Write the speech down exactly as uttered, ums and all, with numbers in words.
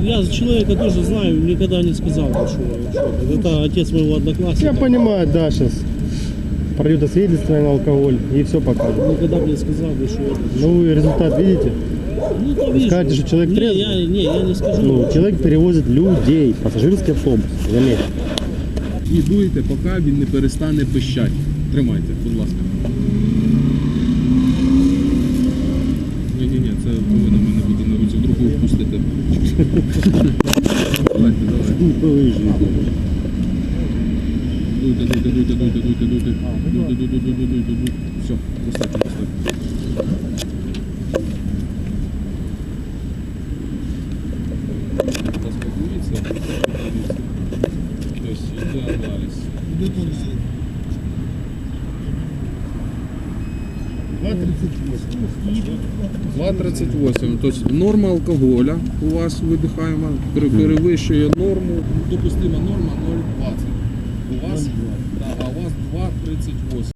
я человека тоже знаю, никогда не сказал, что, что это. Это отец моего одноклассника. Я понимаю, да, сейчас пройдет освидетельствование на алкоголь и все покажет. Никогда бы не сказал, что это. Ну вы результат видите? Ну, то Вы вижу. скажете, что человек не, трезвый? я, не, я не скажу. Ну, человек перевозит людей, пассажирский автобус, заметьте. І дуйте, поки він не перестане пищати. Тримайте, будь ласка. Ні-ні-ні, це повинно в мене бути на руці, вдруг ви впустите. Давайте, давайте. Дуйте, дуйте, дуйте, дуйте, дуйте, дуйте. Дуйте, дуйте, дуйте, дуйте, дуйте. Все, достатньо, достатньо. Заспокоїться. Тобто йде аналіз. два тридцять восемь. Тобто норма алкоголя у вас видихаємо перевищує норму, допустима норма нуль двадцять. У вас, да, а у вас два тридцять восемь.